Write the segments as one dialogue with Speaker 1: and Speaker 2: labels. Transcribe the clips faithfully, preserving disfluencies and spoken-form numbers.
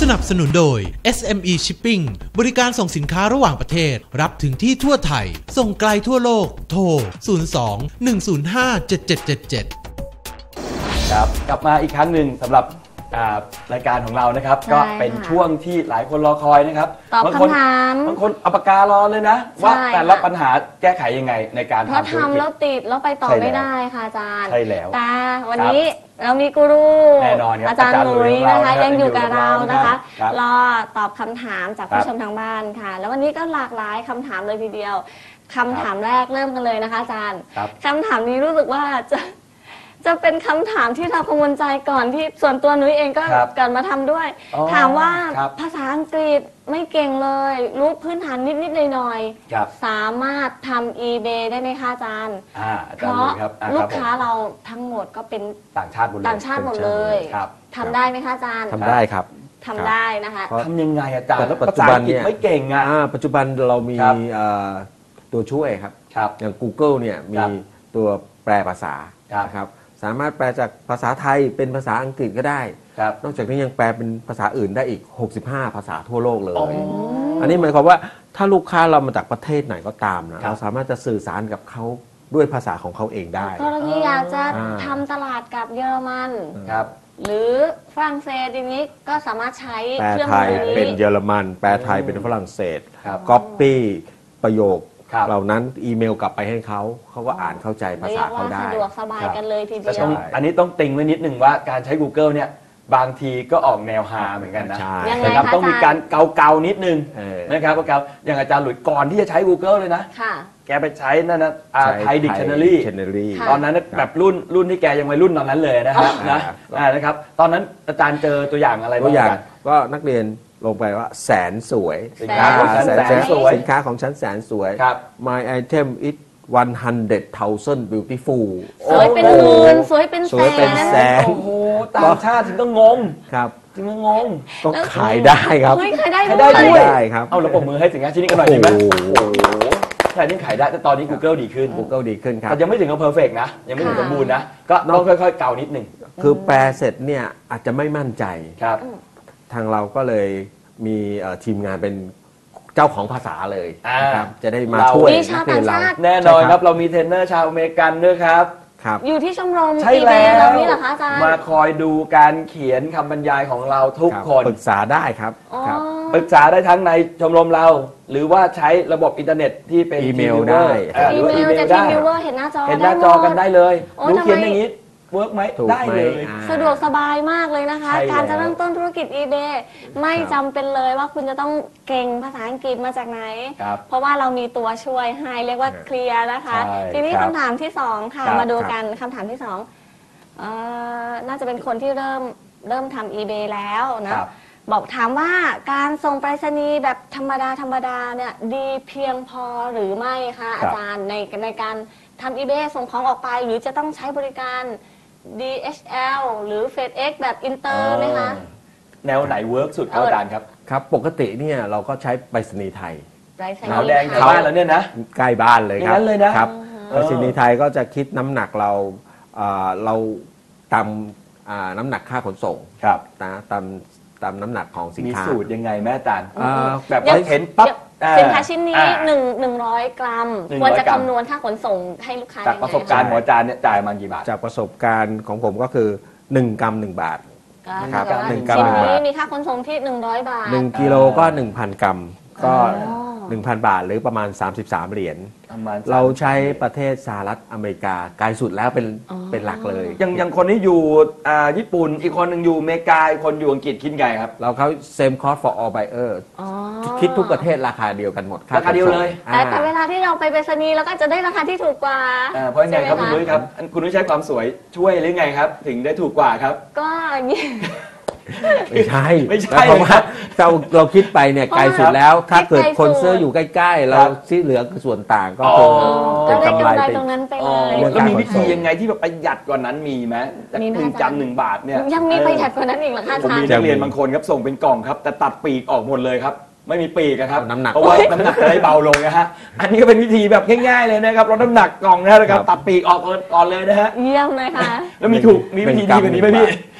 Speaker 1: นับสนุนโดย เอส เอ็ม อี Shipping บริการส่งสินค้าระหว่างประเทศรับถึงที่ทั่วไทยส่งไกลทั่วโลกโทรศูนย์ สอง หนึ่ง ศูนย์ ห้า เจ็ด เจ็ด เจ็ด เจ็ด
Speaker 2: ครับกลับมาอีกครั้งหนึ่งสำหรับรายการของเรานะครับก็เป็นช่วงที่หลายคนรอคอยนะครับ
Speaker 3: ตอบคำถาม
Speaker 2: บางคนเอาปากการอเลยนะว่าแต่ละปัญหาแก้ไขยังไงในการทำธุรกิจ
Speaker 3: เพราะทำแล้วติดแล้วไปต่อไม่ได้ค่ะอาจารย์
Speaker 2: ใช่แล้ว
Speaker 3: แต่วันนี้เรามีกูรู
Speaker 2: แน่นอนครับ
Speaker 3: อาจารย์หลุยนะคะยังอยู่กับเรานะคะรอตอบคำถามจากผู้ชมทางบ้านค่ะแล้ววันนี้ก็หลากหลายคำถามเลยทีเดียวคำถามแรกเริ่มกันเลยนะคะอาจารย์คำถามนี้รู้สึกว่าจะจะเป็นคำถามที่เรากังวลใจก่อนที่ส่วนตัวนุ้ยเองก็เกิดมาทำด้วยถามว่าภาษาอังกฤษไม่เก่งเลยรู้พื้นฐานนิดๆหน่อยๆสามารถทำ eBay ได้ไหมคะอาจารย์เพราะลูกค้าเราทั้งหมดก็เป็น
Speaker 2: ต่างชาติหมดเลย
Speaker 3: ต่างชาติหมดเลยทำได้ไหมคะอาจารย์
Speaker 4: ทำได้ครับ
Speaker 3: ทำได้นะคะ
Speaker 2: ทำยังไงอาจารย์ภาษาอังกฤษไม่เก่งอ่ะ
Speaker 4: ปัจจุบันเรามีตัวช่วยครับอย่าง Google เนี่ยมีตัวแปลภาษาครับสามารถแปลจากภาษาไทยเป็นภาษาอังกฤษก็ได้นอกจากนี้ยังแปลเป็นภาษาอื่นได้อีกหกสิบห้าภาษาทั่วโลกเลยอันนี้หมายความว่าถ้าลูกค้าเรามาจากประเทศไหนก็ตามนะเราสามารถจะสื่อสารกับเขาด้วยภาษาของเขาเองได้
Speaker 3: กรณีอยากจะทำตลาดกับเยอรมันหรือฝรั่งเศสอย่างนี้ก็สามารถใช้
Speaker 4: แปลไทยเป็นเยอรมันแปลไทยเป็นฝรั่งเศสก๊อปปี้ประโยคเหล่านั้นอีเมลกลับไปให้เขาเขาก็อ่านเข้าใจภาษาเขาได้
Speaker 3: สะดวกสบายกันเลยทีเดียว
Speaker 2: อันนี้ต้องติงไว้นิดนึงว่าการใช้ Google เนี่ยบางทีก็ออกแนวฮาเหมือนกันนะนะครับต้องมีการเกาๆนิดนึงนะครับเกาอย่างอาจารย์หลุยก่อนที่จะใช้ Google เลยนะแกไปใช้นั่นนะไทยดิกชันนารีตอนนั้นแบบรุ่นรุ่นที่แกยังวัยรุ่นตอนนั้นเลยนะฮะนะนะครับตตอนนั้นอาจารย์เจอตัวอย่างอะไรบ้าง
Speaker 4: ก็นักเรียนลงไปว่าแสนสวย
Speaker 2: สินค้าของฉันแสนสวย
Speaker 4: สินค้าของฉันแสนสวย My item is one hundred thousand beautiful
Speaker 3: สวยเป็นหมื่นสวยเป็นแสน
Speaker 4: โอ้
Speaker 2: โหต่างชาติถึงต้องงง
Speaker 4: ครับ
Speaker 2: ถึงต้องงง
Speaker 4: ต้องขายได้ครับ
Speaker 3: ขายได้
Speaker 4: ด้วยครับ
Speaker 2: เอาเราปรบมือให้สินค้าชิ้นนี้กันหน่อยดีไหมโอ้โหใช่นี่ขายได้แต่ตอนนี้ Google ดีขึ้น
Speaker 4: Google ดีขึ้นครับ
Speaker 2: แต่ยังไม่ถึงกับเพอร์เฟกต์นะยังไม่ถึงสมบูรณ์นะก็ต้องค่อยๆเกานิดนึง
Speaker 4: คือแปลเสร็จเนี่ยอาจจะไม่มั่นใจ
Speaker 2: ครับ
Speaker 4: ทางเราก็เลยมีทีมงานเป็นเจ้าของภาษาเลยนะครับจะได้มาช่วยนักเรียนเรา
Speaker 2: แน่นอนครับเรามีเทรนเนอร์ชาวอเมริกันด้วยครับ
Speaker 3: อยู่ที่ชมรม
Speaker 2: ใช่แล้ว
Speaker 3: นี่เหรอคะอาจารย์
Speaker 2: มาคอยดูการเขียนคำบรรยายของเราทุกคน
Speaker 4: ปรึกษาได้ครับ
Speaker 2: ปรึกษาได้ทั้งในชมรมเราหรือว่าใช้ระบบอินเทอร์เน็ตที่เป็น
Speaker 4: อีเมลได้
Speaker 3: อีเมลจะทีมวิวเวอร์เห็นหน้าจอ
Speaker 2: เห็นหน้าจอกันได้เลยรู้เขียนอย่างนี้เวิร์กไหมได้เลย
Speaker 3: สะดวกสบายมากเลยนะคะการจะเริ่มต้นธุรกิจ eBay ไม่จำเป็นเลยว่าคุณจะต้องเก่งภาษาอังกฤษมาจากไหนเพราะว่าเรามีตัวช่วยให้เรียกว่าเคลียร์นะคะทีนี้คำถามที่สองค่ะมาดูกันคำถามที่สองน่าจะเป็นคนที่เริ่มเริ่มทำ eBay แล้วนะบอกถามว่าการส่งไปรษณีย์แบบธรรมดาธรรมดาเนี่ยดีเพียงพอหรือไม่คะอาจารย์ในในการทำ eBay ส่งของออกไปหรือจะต้องใช้บริการ ดี เอช แอล หรือ FedEx แบบอินเตอร์ไหมคะ
Speaker 2: แนวไหนเวิร์กสุดครับอาจารย์ครับ
Speaker 4: ครับปกติเนี่ยเราก็ใช้ไปรษณีย์ไทย
Speaker 2: ขาวแดงแถวบ้านแล้วเนี่ยนะ
Speaker 4: ใกล้บ้านเลยครับ
Speaker 2: เลยนะครับ
Speaker 4: ไปรษณีย์ไทยก็จะคิดน้ำหนักเราเราตามน้ำหนักค่าขนส่งนะตามตามน้ำหนักของสินค้า
Speaker 2: มีสูตรยังไงแม่อาจารย์แบบเห็นปั๊บ
Speaker 3: สินค้าชิ้นนี้หนึ่งหนึ่งร้อยกรัมควรจะคำนวณค่าขนส่งให้ลูกค้า
Speaker 2: จากประสบการณ์ของอาจารย์เนี่ยจ่ายมากี่บาท
Speaker 4: จากประสบการณ์ของผมก็คือหนึ่งกรัมหนึ่งบาท
Speaker 3: ครับหนึ่งกรัมนี้มีค่าขนส่งที่หนึ่งร้อยบาท
Speaker 4: หนึ่งกิโลก็หนึ่งพันกรัมก็ หนึ่งพัน บาทหรือประมาณสามสิบสามเหรียญเราใช้ประเทศสหรัฐอเมริกาไกลสุดแล้วเป็นเป็นหลักเลย
Speaker 2: ยังยังคนนี้อยู่ญี่ปุ่นอีกคนหนึ่งอยู่อเมริกาอีกคนอยู่อังกฤษคิดไงครับ
Speaker 4: เราเขา same cost for all buyer คิดทุกประเทศราคาเดียวกันหมด
Speaker 2: ราคาเดียวเลย
Speaker 3: แต่เวลาที่เราไปไปรษณีย์เราก็จะได้ราคาที่ถูกกว่า
Speaker 2: เพราะไงครับคุณนุ้ยครับคุณนุ้ยใช้ความสวยช่วยหรือไงครับถึงได้ถูกกว่าครับ
Speaker 3: ก็
Speaker 4: ไม่ใช่
Speaker 2: ไม่ใช่
Speaker 4: เพราะว่าเราเราคิดไปเนี่ยไกลสุดแล้วถ้าเกิดคนซื้ออยู่ใกล้ๆเราที่เหลือคือส่วนต่างก็คือ
Speaker 3: เป็นกำไรตรงนั้นไปเลย
Speaker 2: แล้วมีวิธียังไงที่แบบประหยัดกว่านั้นมีไหมจากหนึ่งจำหนึ่งบาทเนี่ย
Speaker 3: ยังมีประหยัดกว่านั้นอีกเหรอคะ
Speaker 2: ผมมีนักเรียนบางคนครับส่งเป็นกล่องครับแต่ตัดปีกออกหมดเลยครับไม่มีปีกครับเพราะว่าน้ำหนักจะได้เบาลงนะฮะอันนี้ก็เป็นวิธีแบบง่ายๆเลยนะครับลดน้ำหนักกล่องนะครับตัดปีกออกก่อนเลยนะฮะ
Speaker 3: เยี่ยมเลยค่ะ
Speaker 2: แล้วมีถูกมีวิธีดีกว่านี้ไหมพี่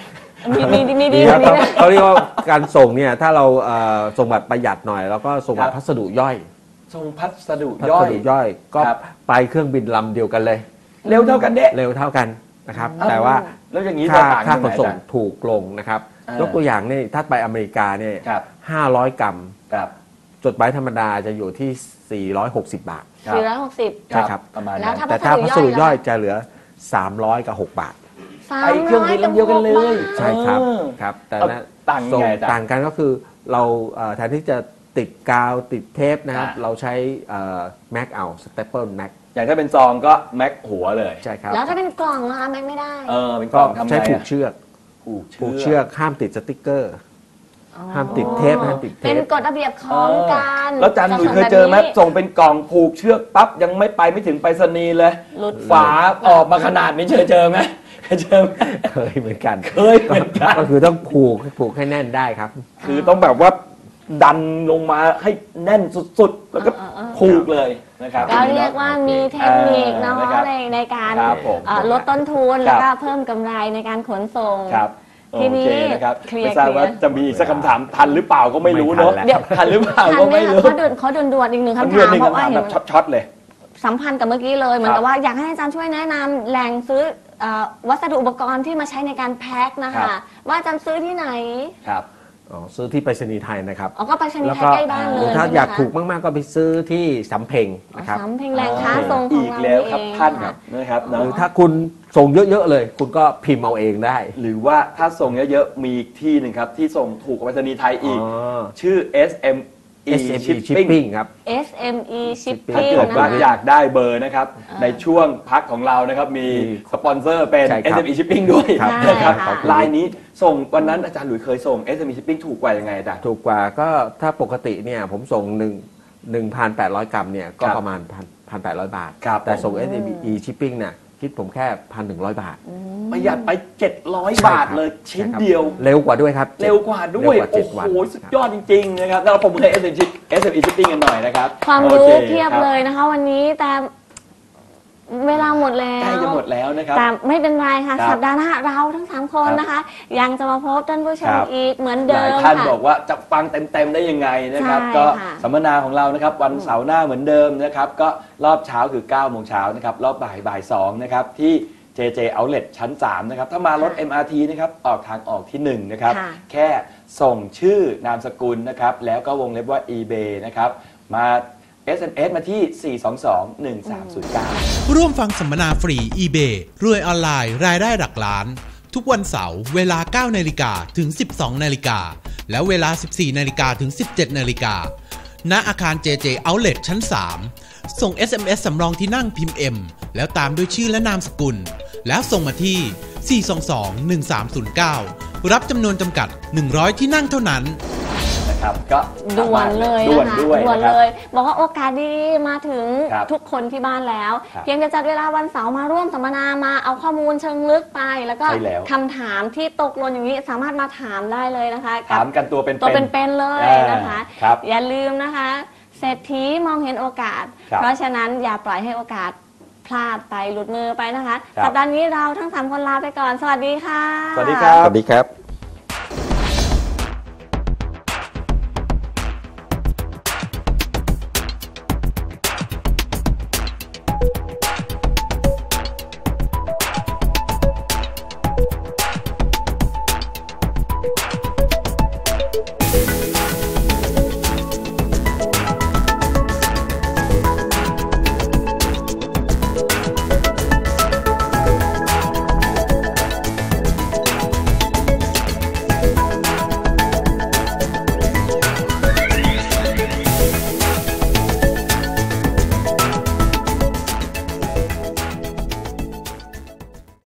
Speaker 3: มีมีมีดี
Speaker 4: ครับ
Speaker 3: มีนะ
Speaker 4: เขาเรียกว่าการส่งเนี่ยถ้าเราเอ่อส่งแบบประหยัดหน่อย แล้วก็ส่งแบบพัสดุย่อย
Speaker 2: ส่งพัสดุ
Speaker 4: พั
Speaker 2: ย่อ
Speaker 4: ส
Speaker 2: ย
Speaker 4: ดุย่อยก็
Speaker 2: ครับ
Speaker 4: ไปเครื่องบินลำเดียวกันเลย
Speaker 2: เร็วเท่ากันเด้
Speaker 4: เร็วเท่ากันนะครับแต่ว่า
Speaker 2: แล้วอย่างนี้
Speaker 4: ค่า
Speaker 2: จะต่าง
Speaker 4: ค่า
Speaker 2: กัน
Speaker 4: ข
Speaker 2: ไหน
Speaker 4: นส่ง
Speaker 2: อาจารย์
Speaker 4: ถูกลงนะครับ
Speaker 2: อ่าย
Speaker 4: กตัวอย่างนี่ถ้าไปอเมริกาเนี่ย
Speaker 2: ครับ
Speaker 4: ห้าร้อยกรัม
Speaker 2: ครับ
Speaker 4: จดหมายธรรมดาจะอยู่ที่สี่ร้อยหกสิบบาท
Speaker 2: ครับ
Speaker 3: สี่ร้อยหกสิบ
Speaker 4: ใช่ครับ
Speaker 2: ประมาณ
Speaker 3: แล้
Speaker 2: นั้
Speaker 3: วน ถ้า
Speaker 4: แต่ถ้าพัสดุย่อย
Speaker 3: ล่ะ
Speaker 4: จะเหลือสามร้อยกับหกบาท
Speaker 3: สา
Speaker 2: ไป
Speaker 3: ม
Speaker 2: เครื่องบินลำเดียวกันเลย
Speaker 4: ใช่ครับ
Speaker 2: เออ
Speaker 4: ครับแต่
Speaker 2: เอา
Speaker 4: นะ
Speaker 2: ต่างยัง
Speaker 4: ส่ง
Speaker 2: ไงอาจารย์
Speaker 4: ต่างกันก็คือเราเอ่อแทนที่จะติดกาวติดเทปนะครับ
Speaker 2: อ่า
Speaker 4: เราใช้แม็กเอาสเตปเปิลแม็ก
Speaker 2: อย่างถ้าเป็นซองก็แม็กหัวเลย
Speaker 4: ใช่ครับ
Speaker 3: แล้วถ้าเป็นกล่องนะคะแม็กไม่ได้
Speaker 2: เออเป็นก
Speaker 4: ก็
Speaker 2: ล่องทำไง
Speaker 4: ใช้ผูก
Speaker 2: อะ
Speaker 4: เชือก
Speaker 2: ผูก
Speaker 4: ผูก
Speaker 2: เชื
Speaker 4: เชื
Speaker 2: อ
Speaker 4: อก กห้ามติดสติกเกอร์ ห้ามติดเทปห้ามติดเท
Speaker 3: เป็น
Speaker 4: ป
Speaker 3: กฎระเบียบของการ
Speaker 2: แล้วอาจารย์หนุ่ยเคยเจอไหมส่งเป็นกล่องผูกเชือกปั๊บยังไม่ไปไม่ถึงไปรษณีย์เลย
Speaker 3: หลุด
Speaker 2: ฝาออกมาขนาดนี้เคยเจอไหมเคยเจอไหม
Speaker 4: เคยเหมือนกัน
Speaker 2: เคยเหมือนกัน
Speaker 4: ก็คือต้องผูกผูกให้แน่นได้ครับ
Speaker 2: คือต้องแบบว่าดันลงมาให้แน่นสุดๆ แล้วก็ผูกเลยนะครับ
Speaker 3: ก็เรียกว่ามีเทคนิคเนาะ
Speaker 2: เออนะครับ
Speaker 3: ในในการ
Speaker 2: ครับผม
Speaker 3: เอ่อลดต้นทุน
Speaker 2: ค
Speaker 3: แล้
Speaker 2: รั
Speaker 3: ว
Speaker 2: บ
Speaker 3: ก็เพิ่มกำไรในการขนส่ง
Speaker 2: ครับ
Speaker 3: ทีนี้
Speaker 2: โอเคนะครับ
Speaker 3: เคลียร์
Speaker 2: ไม่ทราบว่า
Speaker 3: เคลียร์
Speaker 2: จะมีสักคำถามทันหรือเปล่าก็ไม่รู้เนาะ
Speaker 4: ไม่ทันแล้ว
Speaker 3: เดี๋ยว
Speaker 2: ทันหรือเปล่า
Speaker 3: ทัน
Speaker 2: ก็
Speaker 3: ไหม
Speaker 2: ไม่
Speaker 3: คะ
Speaker 2: รู้
Speaker 3: เขาด่วนเขาด่วนๆอีกหนึ่งคำ
Speaker 2: เรื่
Speaker 3: ถาม
Speaker 2: หนึ่ง
Speaker 3: เพราะว่า
Speaker 2: คำถาม
Speaker 3: เห็
Speaker 2: แบ
Speaker 3: น
Speaker 2: บช็อตๆเลย
Speaker 3: สัมพันธ์กับเมื่อกี้เลยเหมือนกับว่าอยากให้อาจารย์ช่วยแนะนำแหล่งซื้อเอ่อวัสดุอุปกรณ์ที่มาใช้ในการแพ็คนะ
Speaker 2: ครั
Speaker 3: คะ
Speaker 2: บ
Speaker 3: ว่าอาจารย์ซื้อที่ไหน
Speaker 2: ครับ
Speaker 4: อ๋อซื้อที่ไปรษณีย์ไทยนะครับ
Speaker 3: อ๋อก็ไปชนี
Speaker 4: แล้ว
Speaker 3: ย์ไท
Speaker 4: ก็
Speaker 3: ยใกล้บ้านเล
Speaker 4: หรื
Speaker 3: ย
Speaker 4: อถ้า
Speaker 3: ใช่ไหม
Speaker 4: อยาก
Speaker 3: คะ
Speaker 4: ถูกมากๆก็ไปซื้อที่สำเพ็งนะครับ
Speaker 3: สำเพ็งแหล่งค้าส่งขอ
Speaker 2: อี
Speaker 3: ง
Speaker 2: ก
Speaker 3: เรา
Speaker 2: แล้วครับ
Speaker 3: เอง
Speaker 2: ท่าน
Speaker 3: ค่ะ
Speaker 2: นะครับ
Speaker 4: ห
Speaker 2: เนาะ
Speaker 4: รือถ้าคุณส่งเยอะๆเลย คุณก็พิมพ์เอาเองได้
Speaker 2: หรือว่าถ้าส่งเยอะๆมีอีกที่หนึ่งครับ ที่ส่งถูกกว่าไปรษณีย์ไทยอีก
Speaker 4: อ๋อ
Speaker 2: ชื่อ เอส เอ็ม อี
Speaker 4: เอส เอ็ม อี
Speaker 2: Shipping
Speaker 4: Shipping ครับ
Speaker 3: เอส เอ็ม อี
Speaker 2: ถ้า
Speaker 3: Shipping
Speaker 2: เกิด
Speaker 3: นะ
Speaker 2: ว่า
Speaker 3: คะ
Speaker 2: อยากได้เบอร์นะครับ ในช่วงพักของเรานะครับ มี
Speaker 4: มี
Speaker 2: สปอนเซอร์เป็น
Speaker 4: ใช่
Speaker 2: เอ
Speaker 4: ค
Speaker 2: ส
Speaker 4: รับ
Speaker 2: เอ็ม อี Shipping ด้วย
Speaker 4: ครับ
Speaker 2: นะครับ
Speaker 3: ใช่ค่ะ
Speaker 2: ลายนี้ส่งวันนั้นอาจารย์หลุยเคยส่ง เอส เอ็ม อี Shipping ถูกกว่ายังไงอาจารย์
Speaker 4: ถูกกว่าก็ถ้าปกติเนี่ยผมส่ง1 หนึ่งพันแปดร้อย กรัมเนี่ยก็
Speaker 2: ครับ
Speaker 4: ประมาณหนึ่งพันแปดร้อย บาท
Speaker 2: ครับ
Speaker 4: แต่ส่ง
Speaker 2: ผม
Speaker 4: เอส เอ็ม อี Shipping เนี่ยคิดผมแค่ หนึ่งพันหนึ่งร้อย บาท
Speaker 2: ประหยัดไป เจ็ดร้อย
Speaker 4: ใช่ครับ
Speaker 2: บาทเลยชิ้น
Speaker 4: ใช่ครับ
Speaker 2: เดียว
Speaker 4: เร็วกว่าด้วยครับ
Speaker 2: เร็วกว่าด้วย
Speaker 4: เร็วกว่าเจ็
Speaker 2: โอ้
Speaker 4: ด
Speaker 2: โห
Speaker 4: วัน
Speaker 2: สุดยอดจริงๆนะครับแล้วเราผมเคย เอส เอ็ม อี Shipping กันหน่อยนะครับ
Speaker 3: ความ
Speaker 2: โอ
Speaker 3: รู้
Speaker 2: ค
Speaker 3: เพียบ
Speaker 2: ครับ
Speaker 3: เลยนะคะ วันนี้แต่เวลาหมดแล้ว
Speaker 2: ใกล้จะหมดแล้วนะครับ
Speaker 3: แต่ไม่เป็นไรค่ะ
Speaker 2: ครับ
Speaker 3: สัปดาห์หน้าเราทั้งสามคน
Speaker 2: ครับ
Speaker 3: นะคะ ยังจะมาพบท่านผู้ชม
Speaker 2: ครับ
Speaker 3: อีกเหมือน
Speaker 2: ห
Speaker 3: เดิ
Speaker 2: ลาย
Speaker 3: ม
Speaker 2: ท่าน
Speaker 3: ค่ะ
Speaker 2: บอกว่าจะฟังเต็มๆได้ยังไงนะครับ
Speaker 3: ใช่
Speaker 2: ก็
Speaker 3: ค่ะ
Speaker 2: สัมมนาของเรานะครับวันเสาร์หน้าเหมือนเดิมนะครับก็รอบเช้าคือเก้าโมงเช้านะครับรอบบ่ายบ่ายสองนะครับที่ เจ เจ Outlet ชั้นสามนะครับถ้ามารถ เอ็ม อาร์ ที นะครับออกทางออกที่หนึ่งนะครับ
Speaker 3: ค่ะ
Speaker 2: แค่ส่งชื่อนามสกุลนะครับแล้วก็วงเล็บว่า eBay นะครับมา เอส เอ็ม เอส มาที่ สี่ สอง สอง หนึ่ง สาม ศูนย์ เก้า
Speaker 1: ร่วมฟังสัมมนาฟรี eBay รวยออนไลน์รายได้หลักล้าน ทุกวันเสาร์เวลา เก้านาฬิกาถึง สิบสองนาฬิกาและเวลา สิบสี่นาฬิกาถึง สิบเจ็ดนาฬิกาณอาคาร เจ เจ Outlet ชั้น สาม ส่ง เอส เอ็ม เอส สำรองที่นั่งพิมพ์ M แล้วตามด้วยชื่อและนามสกุล แล้วส่งมาที่ สี่ สอง สอง หนึ่ง สาม ศูนย์ เก้า รับจำนวนจำกัด หนึ่งร้อย ที่นั่งเท่านั้น
Speaker 2: นะครับก็
Speaker 3: ด่วนเลย
Speaker 2: ด่วน
Speaker 3: นะคะ
Speaker 2: ด้วย
Speaker 3: ด่วน
Speaker 2: นะครับ
Speaker 3: เลย บอกว่าโอกาสดีๆมาถึง
Speaker 2: ครับ
Speaker 3: ทุกคนที่บ้านแล้ว
Speaker 2: ครับ
Speaker 3: เพียงจะจัดเวลาวันเสาร์มาร่วมสัมมนามาเอาข้อมูลเชิงลึกไป แล้วก็
Speaker 2: ใช่แล้ว
Speaker 3: คำถามที่ตกหล่นอย่างนี้สามารถมาถามได้เลยนะคะกั
Speaker 2: ถา
Speaker 3: บ
Speaker 2: มกันตัวเป็นๆ
Speaker 3: ตัวเป็นๆเลยนะคะ
Speaker 2: อ่าครับ
Speaker 3: อย่าลืมนะคะเศรษฐีมองเห็นโอกาส
Speaker 2: ครับ
Speaker 3: เพราะฉะนั้นอย่าปล่อยให้โอกาสพลาดไปหลุดมือไปนะคะ
Speaker 2: ครับ
Speaker 3: สัปดาห์นี้เราทั้งสามคนลาไปก่อน สวัสดีค่ะ
Speaker 2: สวัสดีครับ
Speaker 4: สวัสดีครับ